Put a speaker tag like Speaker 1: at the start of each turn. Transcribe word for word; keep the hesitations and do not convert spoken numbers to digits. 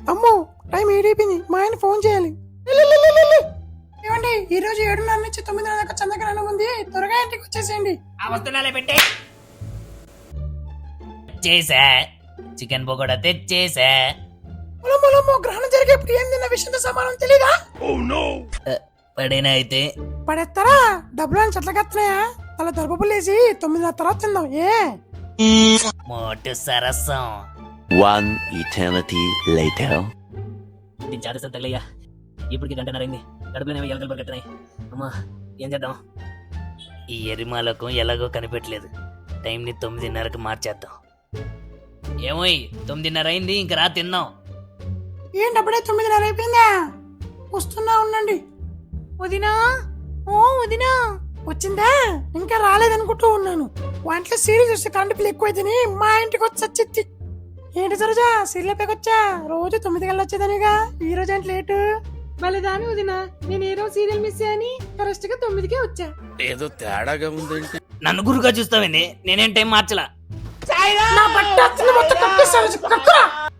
Speaker 1: అమ్మో టైం ఏడైపోయింది, మా ఆయన ఫోన్ చేయాలి. ఏమండి ఈ రోజు ఏడున్నర నుంచి తొమ్మిదిన్నర దాకా చంద్రగ్రహణం ఉంది, త్వరగా ఇంటికి వచ్చేసేయండి.
Speaker 2: ఆ వస్తున్నాలే పెట్టే చేసా చికెన్ పకోడా తెచ్చేసా.
Speaker 1: పొలమొలమో గ్రహణం జరిగేప్పుడు ఏం తిన్న విషయంతో సమానం తెలీదా?
Speaker 2: పడేనా అయితే
Speaker 1: పడేస్తారా? డబ్బులు అని చెట్లకెత్తనాయా? అలా దర్భపులేసి తొమ్మిదిన్నర తర్వాత తిందాం. ఏ
Speaker 2: మోటు సరసం.
Speaker 3: One eternity later.
Speaker 2: దీని చాటసం తగలయ్యా, ఇప్పటికి గంటన్నరైంది, కడుపులోనేమో ఎలకలు పరిగెత్తనాయి. అమ్మా ఏం చేద్దాం? ఈ ఎరిమాలకు ఎలాగో కనిపెట్టలేదు, టైంని తొమ్మిదిన్నరకు మార్చేద్దాం. ఏమోయ్ తొమ్మిదిన్నర అయింది, ఇంక రా తిందాం.
Speaker 1: ఏంటప్పుడే తొమ్మిదిన్నర అయిపోయిందా? వస్తున్నా ఉండండి. వదినా, ఓ వదినా వచ్చిందా? ఇంకా రాలేదనుకుంటూ ఉన్నాను. వంటలో సీరియల్ చూస్తే కరెంట్ బిల్ ఎక్కువైతేని మా ఇంటికి వచ్చి వచ్చింది. ఏంటి సరోజా సీరియల్ పెకొచ్చా? రోజు తొమ్మిది గల్లా వచ్చేదానిగా, ఈ రోజు ఏంటి లేటు? బలిదాని వదినా, నేను ఏ రోజు సీరియల్ మిస్ అయ్యాని కరెక్ట్ గా తొమ్మిదికే వచ్చా.
Speaker 4: ఏదో తేడాగా ఉందేంటి?
Speaker 2: నన్ను గురుగా చూస్తావేంది? నేనేం టైం మార్చలా.
Speaker 1: నా బట్ట మొత్తం కప్పేశారు.